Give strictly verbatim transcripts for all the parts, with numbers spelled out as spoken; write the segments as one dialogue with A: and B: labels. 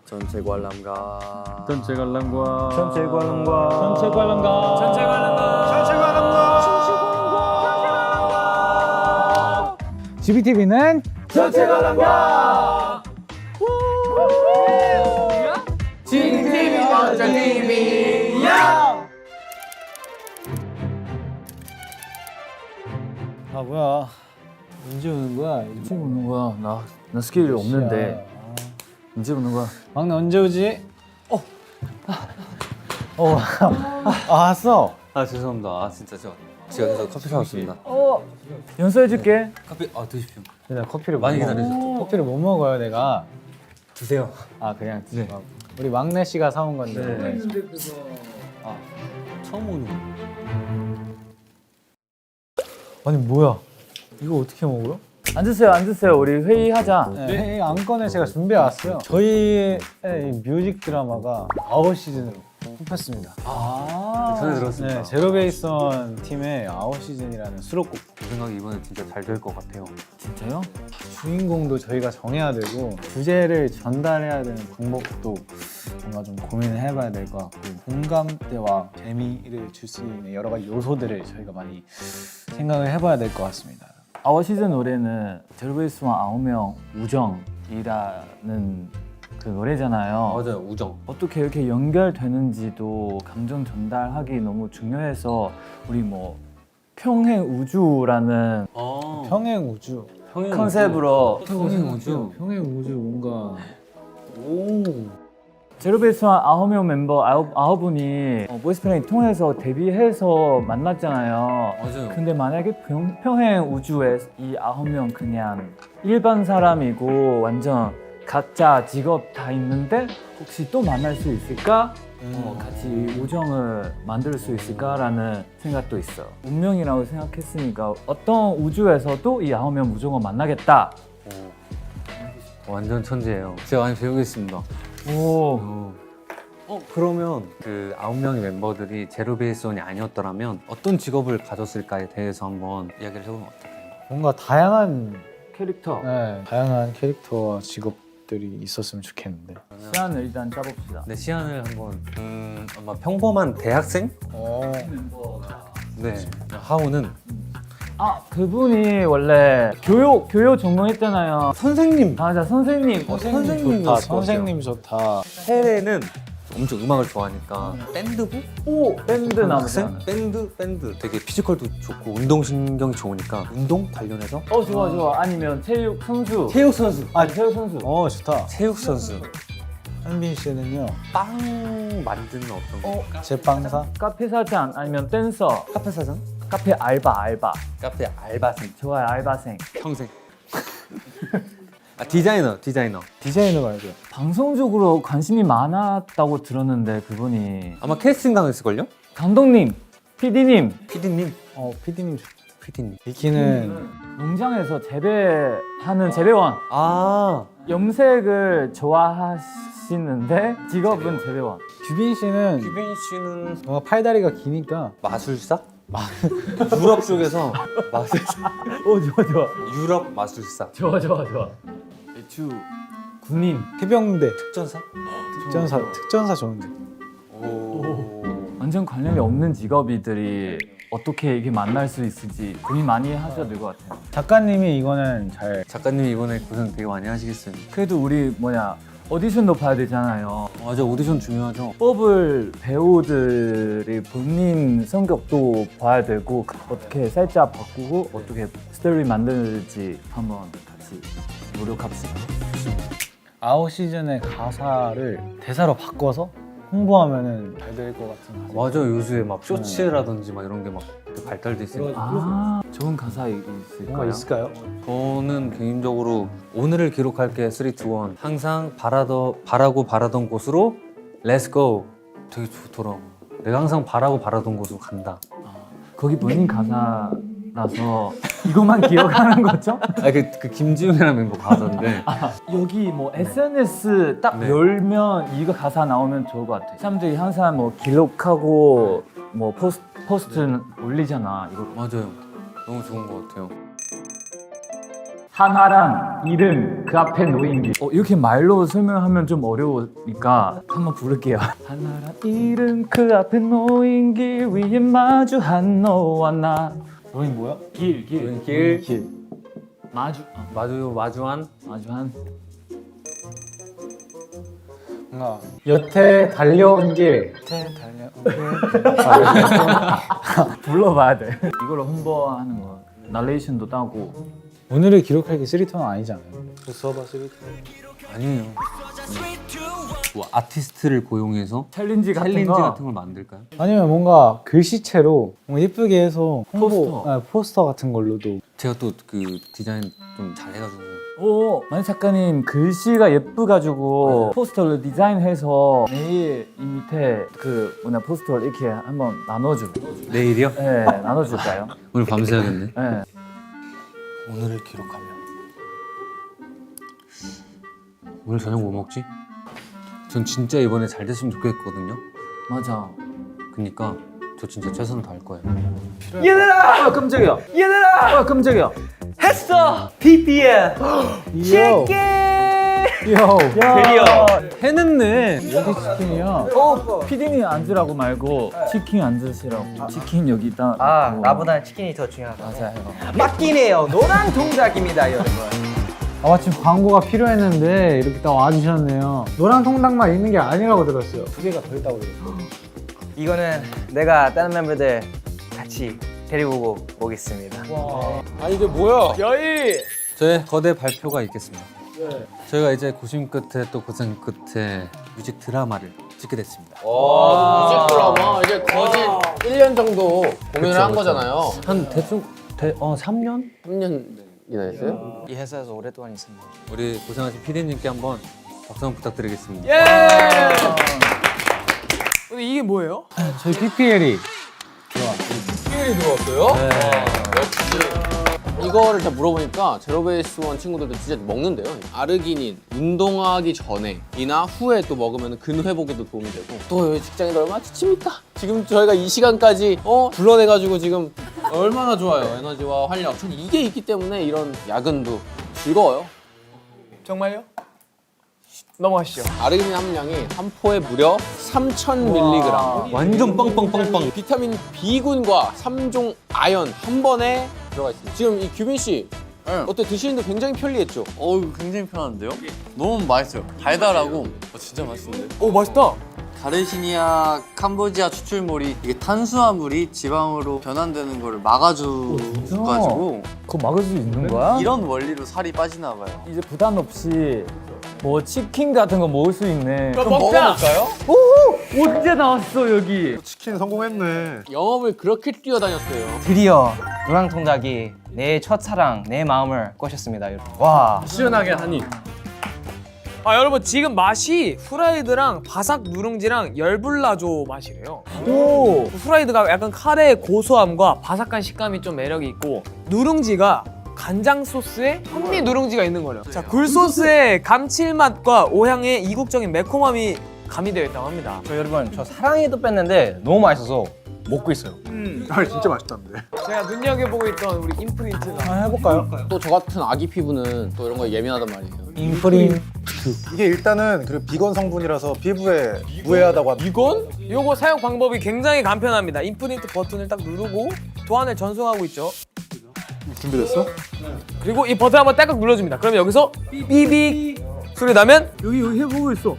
A: 전체 관람가
B: 전체 관람가
A: 전체 관람가
B: 전체 관람가
A: 전체 관람가 전체 관람가
C: 지비티비는
A: 전체 관람가 지비티비 완전 티비야.
C: 아 뭐야 언제 오는 거야?
B: 언제 오는 거야? 나, 나 스케줄이 없는데 언제 오는 거야?
C: 막내 언제 오지? 어, 어, 아, 왔어.
A: 아 죄송합니다. 아 진짜 저 제가 계속 커피 사왔습니다.
B: 어, 연수해줄게.
A: 커피 아 드십시오.
C: 내가 커피를
A: 많이
C: 못 먹-
A: 기다리셨죠?
C: 커피를 못 먹어요 내가.
A: 드세요.
C: 아 그냥 드세요. 우리 막내 씨가 사온 건데.
A: 네.
C: 오늘.
A: 아 처음 오는 거.
C: 아니 뭐야? 이거 어떻게 먹어요?
B: 앉으세요, 앉으세요. 우리 회의하자.
C: 네, 이 안건을 제가 준비해 왔어요. 저희의 이 뮤직 드라마가 아웃 시즌으로 뽑혔습니다.
B: 아,
A: 전에 들었습니다.
C: 네, 제로베이스원 팀의 아웃 시즌이라는 수록곡.
A: 제 생각에 이번에 진짜 잘 될 것 같아요.
B: 진짜요?
C: 주인공도 저희가 정해야 되고 주제를 전달해야 되는 방법도 뭔가 좀 고민을 해봐야 될 것 같고 공감대와 재미를 줄 수 있는 여러 가지 요소들을 저희가 많이 생각을 해봐야 될 것 같습니다.
B: 아워 시즌 노래는 제로베이스와 아홉 명 우정이라는 그 노래잖아요.
A: 맞아요 우정.
B: 어떻게 이렇게 연결되는지도 감정 전달하기 너무 중요해서 우리 뭐 평행 우주라는
A: 아
C: 평행 우주.
A: 평행
B: 컨셉으로
A: 평행 우주.
C: 평행 우주 뭔가
A: 오.
B: 제로베이스와 아홉 명 멤버 아홉, 아홉 분이 어, 보이스플레이 통해서 데뷔해서 만났잖아요.
A: 맞아요.
B: 근데 만약에 평, 평행 우주에 이 아홉 명 그냥 일반 사람이고 완전 각자 직업 다 있는데 혹시 또 만날 수 있을까? 어, 같이 우정을 만들 수 있을까라는 생각도 있어요. 운명이라고 생각했으니까 어떤 우주에서도 이 아홉 명 무조건 만나겠다.
A: 오. 완전 천재예요. 제가 많이 배우겠습니다.
B: 오,
A: 어. 어 그러면 그 아홉 명의 멤버들이 제로베이스원이 아니었더라면 어떤 직업을 가졌을까에 대해서 한번 이야기를 해보면 어떨까요?
C: 뭔가 다양한
B: 캐릭터.
C: 네, 다양한 캐릭터와 직업들이 있었으면 좋겠는데.
B: 시간을 일단 짜봅시다.
A: 네 시안을 한번 음 아마 평범한 대학생?
C: 어.
A: 네 하우는
B: 아, 그분이 원래 교육 교육 전공했잖아요.
A: 선생님.
B: 맞아, 선생님.
A: 어,
C: 선생님
A: 선생님이었을
C: 좋다.
A: 것
C: 선생님 좋다.
A: 해외는 엄청 음악을 좋아하니까 밴드부?
B: 오, 밴드
A: 학생?
B: 나오잖아.
A: 밴드? 밴드 되게 피지컬도 좋고 운동신경이 좋으니까 운동 관련해서
B: 어, 좋아, 좋아. 아니면 체육 선수.
A: 체육 선수
B: 아, 체육 선수.
C: 어 좋다.
A: 체육 선수
C: 현빈 씨는요?
A: 빵 만드는 어떤 거?
B: 어,
C: 제빵사?
B: 카페 사장 아니면 댄서.
A: 카페 사장?
B: 카페 알바, 알바.
A: 카페 알바생
B: 좋아요, 알바생.
A: 평생 아 디자이너 디자이너
C: 디자이너 말고.
B: 방송적으로 관심이 많았다고 들었는데 그분이
A: 아마 캐스팅 당했을걸요?
B: 감독님, 피디님,
A: 피디님
C: 어 피디님 좋.
A: 피디님
C: 미키는
B: 농장에서 재배하는 재배원.
A: 아
B: 염색을 좋아하시는데 직업은 재배원.
C: 규빈 씨는
A: 규빈 씨는
C: 뭔가 팔다리가 기니까
A: 마술사? 유럽 쪽에서 마술사
B: 오, 좋아, 좋아.
A: 유럽 마술사
B: 좋아, 좋아, 좋아. 배추 군인.
C: 해병대
A: 특전사?
C: 특전사 특전사 좋은데.
A: 오
B: 완전 관련이 없는 직업이들이 어떻게 이게 만날 수 있을지 고민 많이 하셔야 될 것 같아요.
C: 작가님이 이거는 잘
A: 작가님이 이번에 고생 되게 많이 하시겠어요.
B: 그래도 우리 뭐냐 오디션도 봐야 되잖아요.
A: 맞아 오디션 중요하죠.
B: 뽑을 배우들이 본인 성격도 봐야 되고 어떻게 살짝 바꾸고 어떻게 스토리 만들지 한번 같이 노력합시다.
C: 아웃 시즌의 가사를 대사로 바꿔서 홍보하면은 잘 될 것 같은.
A: 맞아 요즘에 막 쇼츠라든지 막 이런 게 막 발달돼 있으니까.
B: 아, 좋은 가사
C: 뭔가
B: 있을까요?
C: 있을까요?
A: 저는 개인적으로 오늘을 기록할게 삼, 이, 일 항상 바라더, 바라고 바라던 곳으로 Let's go 되게 좋더라고. 내가 항상 바라고 바라던 곳으로 간다.
B: 거기 본인 가사라서 이것만 기억하는 거죠?
A: 아, 그, 그 김지훈이라는 멤버 가사인데
B: 여기 뭐 에스엔에스 딱
A: 네.
B: 열면 이거 가사 나오면 좋을 것 같아. 사람들이 항상 뭐 기록하고 뭐 포스트, 포스트 올리잖아. 이거
A: 맞아요. 너무 좋은 것 같아요.
B: 하나랑 이름 그 앞에 놓인 게 어, 이렇게 말로 설명하면 좀 어려우니까 한번 부를게요. 하나랑 이름 그 앞에 놓인 길 위에 마주한 너와 나.
C: 너희 뭐야?
B: 길, 길,
A: 길.
C: 길.
B: 마주, 아,
A: 마주 마주한
B: 마주한.
C: 뭔가 여태 달려온 길. 여태 달려온 길.
B: 불러봐야 돼. 이걸로 홍보하는 거. 나레이션도 따고.
C: 오늘을 기록할 게 쓰리톤은 아니잖아요. 써봐 쓰리톤.
A: 아니에요. 뭐 아티스트를 고용해서
B: 챌린지 같은
A: 챌린지
B: 거.
A: 같은 걸 만들까요?
C: 아니면 뭔가 글씨체로 뭔가 예쁘게 해서 홍보,
B: 포스터.
C: 아, 포스터 같은 걸로도.
A: 제가 또 그 디자인 좀 잘해가지고
B: 오, 만희 작가님 글씨가 예쁘가지고 포스터를 디자인해서 내일 이 밑에 그 뭐냐 포스터를 이렇게 한번 나눠줘.
A: 내일이요?
B: 네, 나눠줄까요?
A: 오늘 밤새야겠네.
B: 네.
C: 오늘을 기록하며.
A: 오늘 저녁 뭐 먹지? 전 진짜 이번에 잘 됐으면 좋겠거든요.
B: 맞아.
A: 그니까 저 진짜 최선을 다할 거예요.
B: 얘들아! 아, 깜짝이야. 얘들아! 아, 깜짝이야. 했어! 비비엠! 치킨!
C: 요.
B: 드디어!
A: 해냈네.
C: 여기 치킨이야.
B: 어, 피디님 앉으라고 말고 치킨 앉으시라고. 치킨 여기 있다.
D: 아,
B: 있고.
D: 나보다 치킨이 더 중요하다.
B: 맞아요.
D: 맞긴 해요. 노란 동작입니다, 여러분.
C: 아, 마침 광고가 필요했는데 이렇게 딱 와주셨네요. 노란 통닭만 있는 게 아니라고 들었어요. 두 개가 더 있다고 들었어요.
D: 이거는 내가 다른 멤버들 같이 데리고 오겠습니다.
A: 저의 거대 발표가 있겠습니다. 저희가 이제 고심 끝에 또 고생 끝에 뮤직 드라마를 찍게 됐습니다.
E: 뮤직 드라마 이제 거진 일 년 정도 공연을
A: 그쵸,
E: 한
A: 그쵸.
E: 거잖아요.
A: 한 대충 대, 어 삼 년?
E: 삼 년이나 했어요?
D: 이 회사에서 오랫동안 있습니다.
A: 우리 고생하신 피디님께 한번 박수 한번 부탁드리겠습니다.
F: 근데 이게 뭐예요?
C: 저희 피피엘이
E: 피엘이 들어왔어요? 네. 역시. 이거를 다 물어보니까 제로베이스 원 친구들도 진짜 먹는데요. 아르기닌 운동하기 전에 이나 후에 또 먹으면 근 회복에도 도움이 되고 또 여기 직장인들 얼마나 지칩니까? 지금 저희가 이 시간까지 어 불러내가지고 지금 얼마나 좋아요. 에너지와 활력. 전 이게 있기 때문에 이런 야근도 즐거워요.
F: 정말요? 넘어가시죠.
E: 아르기닌 함량이 한 포에 무려 삼천 밀리그램.
A: 완전 빵빵빵빵.
E: 비타민 B군과 삼 종 아연 한 번에 들어가 있습니다. 지금 이 규빈 씨 어때 드시는데 굉장히 편리했죠?
G: 어우 굉장히 편한데요? 너무 맛있어요. 달달하고 어, 진짜 맛있는데?
F: 오, 맛있다.
G: 가르시니아 캄보지아 추출물이 이게 탄수화물이 지방으로 변환되는 거를 막아줘가지고
B: 그거 막을 수 있는 거야?
G: 이런 원리로 살이 빠지나 봐요.
B: 이제 부담 없이 뭐 치킨 같은 거 먹을 수 있네.
F: 그럼 먹자.
B: 언제 나왔어 여기?
E: 영업을 그렇게 뛰어다녔어요.
D: 드디어 노란 통닭이 내 첫사랑, 내 마음을 꼬셨습니다, 여러분. 와,
E: 시원하게 하니.
F: 아, 여러분 지금 맛이 후라이드랑 바삭 누룽지랑 열불나조 맛이래요.
B: 오.
F: 후라이드가 약간 카레의 고소함과 바삭한 식감이 좀 매력이 있고 누룽지가 간장 소스에 현미 누룽지가 있는 거래요. 자, 굴소스의 감칠맛과 오향의 이국적인 매콤함이 가미되어 있다고 합니다.
D: 저 여러분 저 사랑이도 뺐는데 너무 맛있어서 먹고 있어요.
F: 제가 눈여겨보고 있던 우리 임프린트가
C: 한번 해볼까요?
E: 또 저 같은 아기 피부는 또 이런 거에 예민하단 말이에요.
C: 인프린.
H: 이게 일단은 그 비건 성분이라서 피부에 무해하다고 합니다.
E: 이건?
F: 요거 사용 방법이 굉장히 간편합니다. 임프린트 버튼을 딱 누르고 도안을 전송하고 있죠.
H: 준비됐어?
F: 그리고 이 버튼 한번 딸깍 눌러줍니다. 그러면 여기서 삐빅 소리 나면
B: 여기 여기 해보고 있어.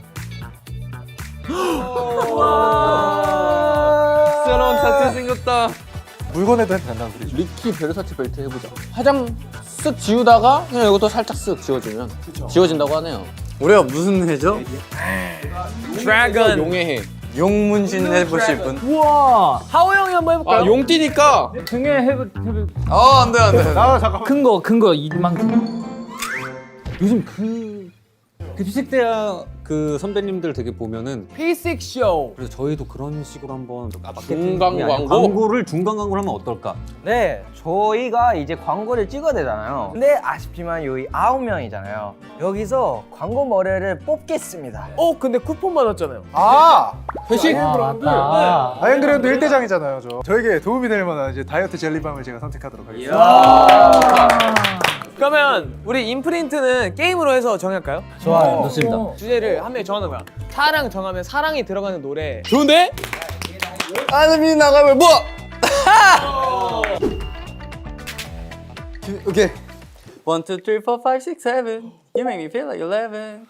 F: 새로운 타투 생겼다.
H: 물건에도 해도 된다는 소리죠.
E: 리키 베르사체 벨트 해보자. 화장 쓱 지우다가 그냥 이것도 살짝 쓱 지워주면 지워진다고 하네요.
G: 우리가 무슨 해죠?
F: 드래곤.
E: 용의 해.
G: 용문신 해보실 분?
B: 우와.
F: 하오 형이 한번 해볼까요?
E: 아 용띠니까
B: 등에 해보 해보.
G: 아 안돼 안돼.
H: 아 잠깐만.
B: 큰 거 큰 거 이만큼.
A: 요즘 그, 그 피식대학 그 선배님들 되게 보면은
F: 피식 쇼.
A: 그래서 저희도 그런 식으로 한번
E: 중간
A: 마케팅이 아니라
E: 광고?
A: 광고를 중간 광고를 하면 어떨까?
D: 네, 저희가 이제 광고를 찍어야 되잖아요. 근데 아쉽지만 여기 아홉 명이잖아요. 여기서 광고 머리를 뽑겠습니다.
F: 어, 근데 쿠폰 받았잖아요.
H: 아!
E: 회식?
B: 아 맞다.
H: 아이언그래도 일대장이잖아요, 저. 저에게 도움이 될 만한 이제 다이어트 젤리밤을 제가 선택하도록 하겠습니다.
F: 그러면 우리 임프린트는 게임으로 해서 정할까요?
C: 좋아요.
A: 좋습니다.
F: 주제를 한 명이 정하는 거야. 사랑 정하면 사랑이 들어가는 노래. 좋은데?
G: 아름이 나가면 뭐? 오케이. One, two, three, four, five, six, seven. You make me feel like eleven.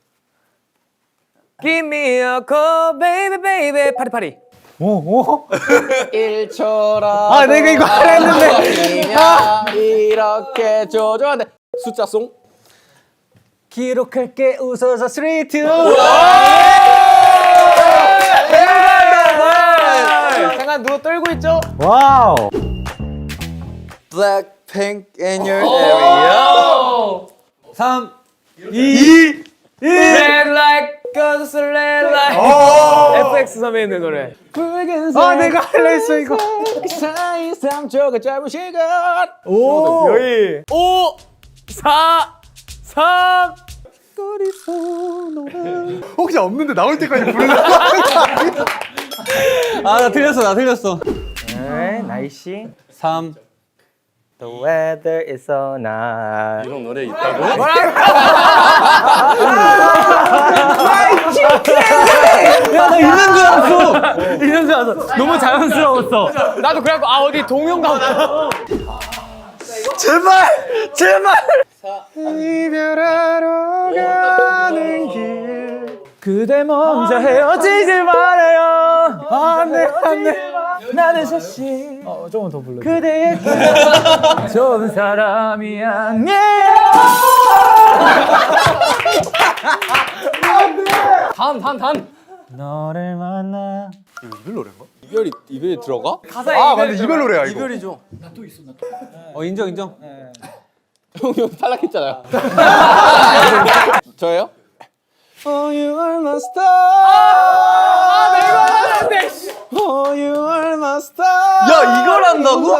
F: Give me a call, baby, baby. 파리 파리.
E: 일 초라.
C: 아, 내가 이거 하려 했는데.
E: 이렇게 조조한데 숫자송.
C: 기록할게 웃어서 삼, 이.
F: 잠깐 누워 떨고 있죠?
C: 와우.
G: Blackpink in your area.
A: 삼,
F: Red like goes red like. 에프엑스 선배님들 노래.
C: 아, 내가 하려 했어 이거.
D: 사이 삼 초가 짧은 시간.
C: 오.
F: 여기 오, 사, 삼.
H: 혹시 없는데 나올 때까지 부르는
A: 아, 나 틀렸어, 나 틀렸어.
D: 네, 날씨.
A: 삼.
D: The weather is so nice.
G: 이런 노래 있다고?
A: 야, 나 있는 줄 알았어. 있는 줄 알았어. 너무 자연스러웠어.
F: 나도 그래갖고 아 어디 동영 가고.
H: 제발 제발 이별하러 가는 길
B: 그대 먼저 헤어지지 말아요. 안돼 안돼. 나는 사실
C: 어, 조금 더 불러.
B: 그대에게 좋은 사람이 아니에요.
E: 다음 다음 다음.
C: 너를 만나.
E: 이별이 이별이 들어가?
F: 가사에
H: 아
F: 이별
H: 맞네 이별 노래야 이거
G: 이별이죠.
A: 어, 인정, 인정.
E: 형이 탈락했잖아요. 저예요?
G: Oh, you are my star.
F: 아, 나 이거 하는데.
G: Oh, you are my star.
H: 야 이걸 한다고?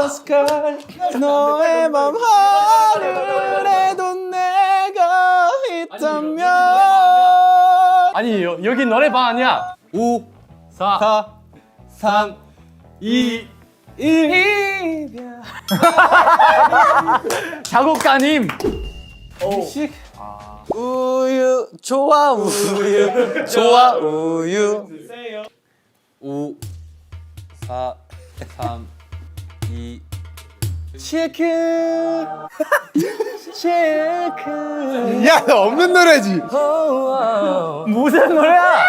G: 너의 맘 하늘에도 내가 있다면.
E: 아니 여, 여기 너네 방 아니야.
A: 오, 사, 삼, 이,
B: 작곡가님.
G: 우유 좋아 우유 좋아 우유.
A: 오, 사, 삼, 이.
H: 야 나 없는 노래지
B: 무슨 노래야?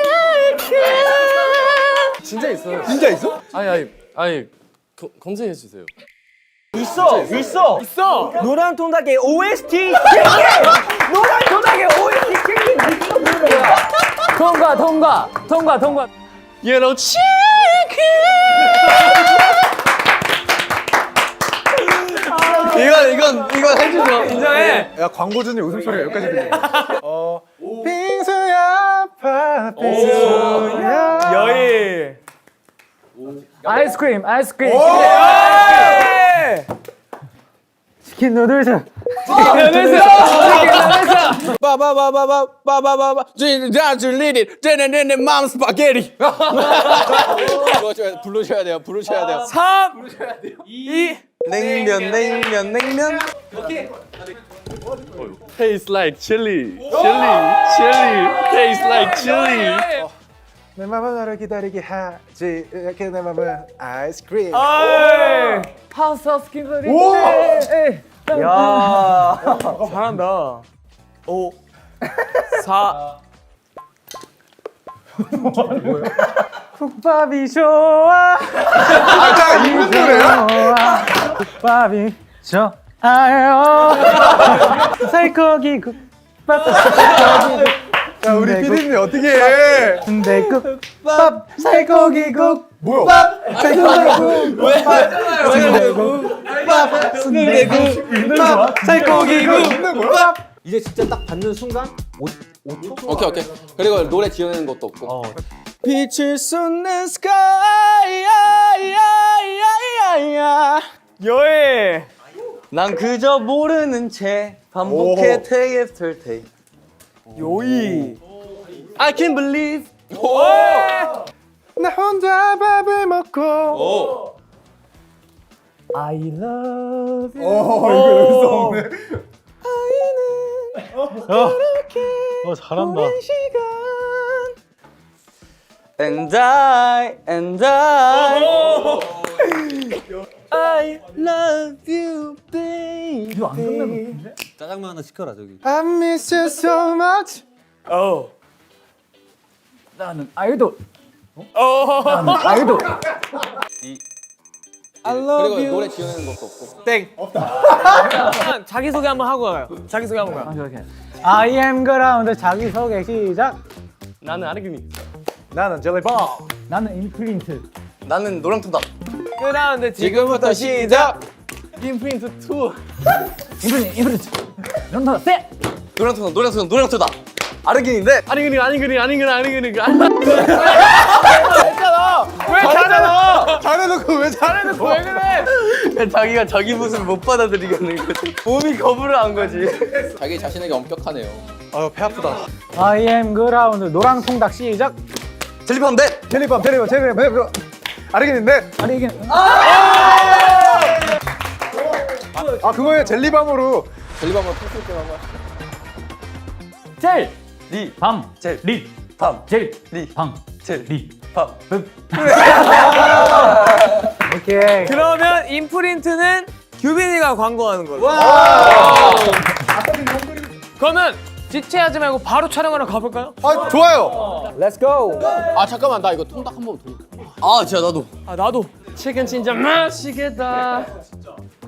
H: 진짜 있어요 진짜 있어?
G: 아니 아니 아니 검- 검색해 주세요.
D: 있어, 있어,
F: 있어.
D: 노란 통닭의 오에스티. 노란 통닭의 오에스티.
B: 통과 통과 통과 통과.
G: Yellow 이건 이건 이건 해주죠.
F: 인정해.
H: 야 광고주님 웃음소리가 여기까지 들려 어 빙수야 파 빙수야
F: 여희.
B: 아이스크림 아이스크림.
F: 예!
B: 치킨 누들스.
E: 빠바바바바바바바바 진짜줄리리 쟤네네네 맘 스파게티. 불러줘야 불러줘야 돼요. 불러줘야 돼요.
F: 삼, 이.
G: 냉면 냉면 냉면. Taste like chili, chili, chili. Taste like chili.
H: 내 맘은 너를 기다리게 하지 이렇게 내 맘은 아이스크림
F: 아이.
B: 파스타 스킨들이.
H: 오!
D: 야,
F: 잘한다. 오, 사.
B: 국밥이 좋아.
H: 아까 있는 노래야?
B: 국밥이 좋아요. 살코기 국밥.
H: 야 우리 피디님 어떻게 해
B: 순대국밥 살코기국.
H: 뭐야
B: 순대국밥 살코기국.
H: 있는 거야?
A: 이제 진짜 딱 받는 순간 오, 오 초?
E: 오케이 오케이. 그리고 노래 지어내는 것도 없고.
A: 어.
G: 빛을 쏟는 sky. 야야야야야.
F: 여희.
G: 난 그저 모르는 채 반복해
H: 오.
G: day after day.
F: 요이.
G: I can't believe.
H: 나 혼자 밥을 먹고
B: I love you.
H: 어 이거 여기서 없네.
C: 어 잘한다.
G: And I, and I.
D: I love you, baby.
B: 이거 안 끝난 것 같은데?
A: 짜장면 하나 시켜라 저기.
H: I miss you so much.
B: 어. 나는 아이돌. 나는 아이돌.
E: 그리고 노래 지어내는 것도 없고.
F: 땡. 자기 소개 한번 하고 가요. 자기 소개 한번 가요.
B: 아, 이렇게.
C: I am 그라운드 자기 소개 시작.
G: 나는 아르기니.
H: 나는 젤리밤.
B: 나는 임프린트.
G: 나는 노랑통닭.
F: 그다음에
E: 지금부터 시작.
G: 임프린트 투.
B: 임프린트, 임프린트. 런던 세.
G: 노랑통닭, 노랑통닭, 노랑통닭. 아르기니인데. 아르기니, 아르기니, 아르기니, 아르기니.
F: 왜 잘해?
H: 잘해놓고 왜 잘해놓고
F: 왜 그래?
G: 자기가 자기 모습을 못 받아들이겠는 거지. 몸이 거부를 한 거지.
E: 자기 자신에게 엄격하네요.
H: 아유 배 아프다.
C: I am 그라운드 노랑통닭 시작.
G: 젤리팜 넷.
H: 젤리밤 젤리밤 젤리밤 젤리밤. 아르기닌데.
B: 아니 이게
H: 아 그거예요 젤리밤으로.
E: 젤리밤을 풀쓸 때만 봐.
B: 젤.
G: 리.
B: 밤.
G: 젤.
B: 리.
G: 밤.
B: 젤.
G: 리.
B: 밤.
G: 젤.
B: 리.
G: 밤.
C: 오케이.
F: 그러면 임프린트는 규빈이가 광고하는 걸로. 그러면 지체하지 말고 바로 촬영하러 가볼까요?
H: 아 좋아요.
D: Let's go.
E: 아 잠깐만 나 이거 통닭 한 번 더. 아 진짜 나도.
F: 아 나도.
G: 치킨 진짜 맛있겠다.